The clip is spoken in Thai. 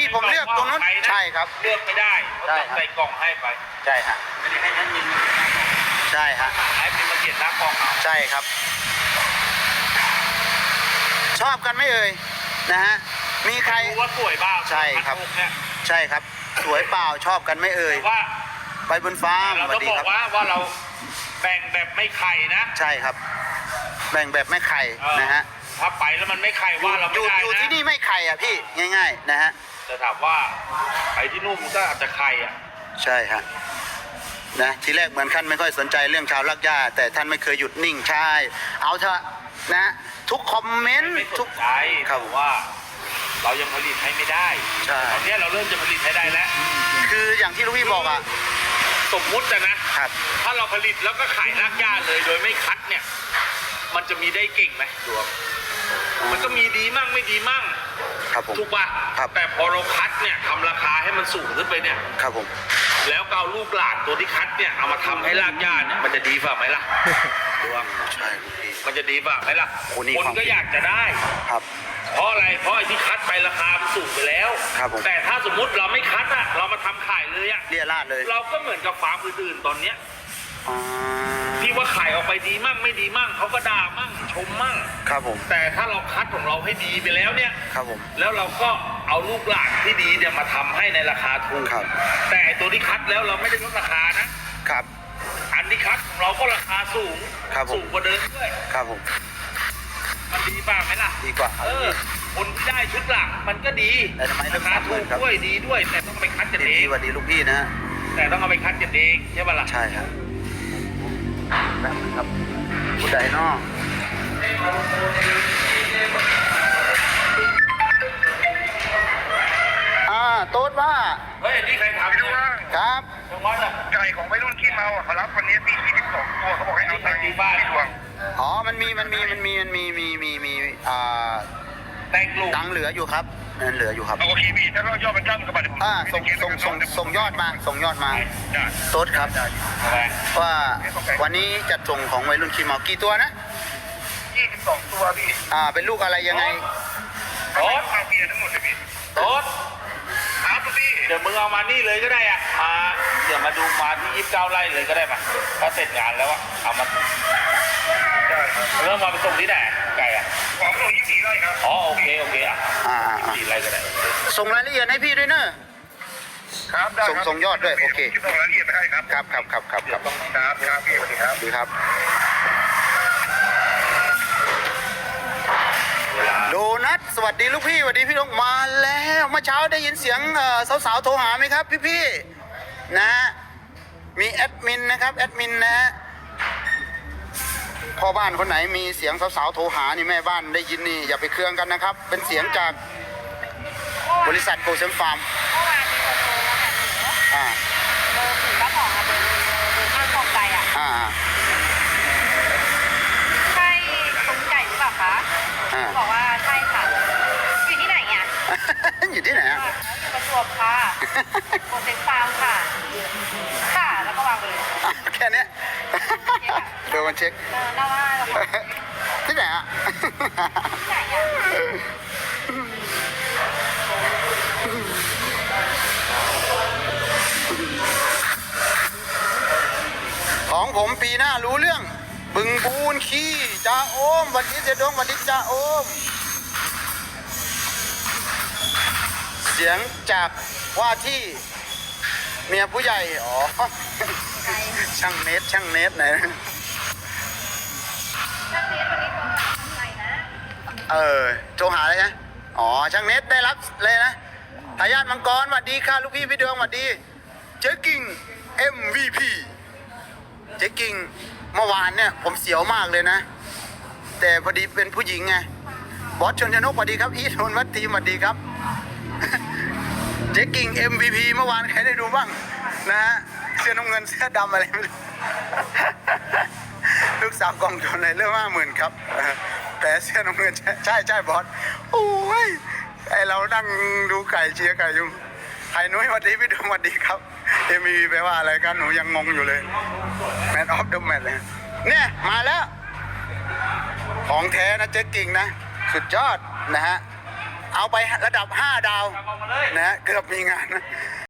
ผมเลือกตรงนู้นใช่ครับเลือกไม่ได้เขาจะใส่กล่องให้ไปใช่ฮะไม่ได้ให้ท่านมินใช่ฮะให้เป็นมาเขียนหน้ากล่องเอาใช่ครับชอบกันไหมเอ่ยนะฮะมีใครว่าสวยบ้างใช่ครับใช่ครับสวยเปล่าชอบกันไหมเอ่ยว่าไปบนฟ้าเราต้องบอกว่าเราแบ่งแบบไม่ไข่นะใช่ครับแบ่งแบบไม่ไข่นะฮะถ้าไปแล้วมันไม่ไข่ว่าเราไม่ได้นะอยู่ที่นี่ไม่ไข่อ่ะพี่ง่ายๆนะฮะจะถามว่าไปที่นู่นมันก็อาจจะไข่อ่ะใช่ฮะนะทีแรกเหมือนท่านไม่ค่อยสนใจเรื่องชาวลักย่าแต่ท่านไม่เคยหยุดนิ่งใช่เอาเถอะนะทุกคอมเมนต์ทุกใจเขาว่าเรายังผลิตให้ไม่ได้ตอนนี้เราเริ่มจะผลิตให้ได้แล้วคืออย่างที่ลูกพี่บอกอ่ะสมมุตินะครับถ้าเราผลิตแล้วก็ขายรากหญ้าเลยโดยไม่คัดเนี่ยมันจะมีได้เก่งไหมดวงมันก็มีดีมั่งไม่ดีมั่งครับผมถูกป่ะแต่พอเราคัดเนี่ยทำราคาให้มันสูงขึ้นไปเนี่ยครับผมแล้วเอาลูกหลานตัวที่คัดเนี่ยเอามาทำให้รากหญ้าเนี่ยมันจะดีฝ่าไหมล่ะดวงใช่มันจะดีฝ่าไหมล่ะคนก็อยากจะได้ครับเพราะอะไรเพราะไอ้ที่คัดไปราคามันสูงไปแล้วแต่ถ้าสมมุติเราไม่คัดอะเรามาทำขายเลยอะเลี่ยราดเลยเราก็เหมือนกับฟาร์มอื่นๆตอนเนี้ยที่ว่าขายออกไปดีมั่งไม่ดีมั่งเขาก็ด่ามั่งชมมั่งครับผมแต่ถ้าเราคัดของเราให้ดีไปแล้วเนี่ยครับผมแล้วเราก็เอาลูกหลานที่ดีเนี่ยมาทำให้ในราคาถูกแต่ตัวที่คัดแล้วเราไม่ได้ลดราคานะครับอันที่คัดของเราก็ราคาสูงสูงกว่าเดิมด้วยครับผมมันดีป่ะไหมล่ะดีกว่าคนที่ได้ชุดหลักมันก็ดีราคาถูกด้วยดีด้วยแต่ต้องไปคัดกันเองสวัสดีลูกพี่นะแต่ต้องเอาไปคัดกันเองใช่ป่ะล่ะใช่ครับแบบครับผู้ใดนอกโต๊ดว่าเฮ้ยนี่ใครถามด้วยครับไก่ของวัยรุ่นขี้เมาเขารับวันนี้ตี22ตัวเขาบอกให้เอาตังค์ที่บ้านดวงอ๋อมันมีตังเหลืออยู่ครับเงินเหลืออยู่ครับโอเคพี่ถ้าเรายอดมันจ้ำกับบัตรส่งยอดมาโต๊ดครับว่าวันนี้จัดส่งของวัยรุ่นขี้เมากี่ตัวนะ 22ตัวพี่เป็นลูกอะไรยังไงโต๊ดเอาเบียร์ทั้งหมดเลยพี่โต๊ดครับพี่เดี๋ยวมึงเอามานี่เลยก็ได้อ่ะมาเดี๋ยวมาดูมาที่29 ไร่เลยก็ได้ป่ะถ้าเสร็จงานแล้วอ่ะเอามาเริ่มมาไปส่งที่ไหนไก่อ่ะของส่ง24 ไร่ครับอ๋อโอเคอ่ะ24 ไร่ก็ได้ส่งรายละเอียดให้พี่ด้วยเนอะครับได้ส่งยอดด้วยโอเคส่งรายละเอียดให้ครับครับพี่สวัสดีครับดีครับโดนัทสวัสดีลูกพี่สวัสดีพี่น้องมาแล้วเมื่อเช้าได้ยินเสียงสาวๆโทรหาไหมครับพี่ๆนะมีแอดมินนะครับแอดมินนะพ่อบ้านคนไหนมีเสียงสาวๆโทรหานี่แม่บ้านได้ยินนี่อย่าไปเครื่องกันนะครับเป็นเสียงจากบริษัทโกเซมฟาร์มเบอร์ถือว่าของเบอร์ข้างกองไก่ใช่ตุ้มไก่หรือเปล่าคะบอกว่าใช่ค่ะอยู่ที่ไหนเนี่ยอยู่ที่ไหนอยู่ประจวบค่ะโกเซมฟาร์มค่ะแล้วก็วางเลยแค่นี้เดี๋ยวมันเช็คน่าว่าที่ไหนที่ไหนของผมปีหน้ารู้เรื่องบึงบูนขี้จ่าโอมวันนี้เสียดงวันนี้จ่าโอมเสียงจากว่าที่เมียผู้ใหญ่ช่างเนตไหนโทรหาอะไรนะช่างเนตได้รับเลยนะทายาทมังกรสวัสดีค่ะลูกพี่พี่ดวงสวัสดีเจ๊กิ่ง MVP เจ๊กิ่งเมื่อวานเนี่ยผมเสียวมากเลยนะแต่พอดีเป็นผู้หญิงไงบอสชนชนกสวัสดีครับอีทนวัตทีสวัสดีครับเจ๊กิ่ง MVP เมื่อวานใครได้ดูบ้างนะฮะเสื้อน้ำเงินเสื้อดำอะไรไม่รู้ลูกสาวกองทุนในเรื่อง50,000ครับแต่เสื้อน้ำเงินใช่บอสโอ้ยไอเรานั่งดูไก่เชียร์ไก่อยู่ไข่นุ้ยสวัสดีพี่ดวงสวัสดีครับMVP แปลว่าอะไรกันหนูยังงงอยู่เลยแมนออฟเดอะแมตช์เลยเนี่ยมาแล้วของแท้นะเจ๊กิ่งนะสุดยอดนะฮะเอาไประดับ 5 ดาวเอามาเลยนะเกือบมีงานนะ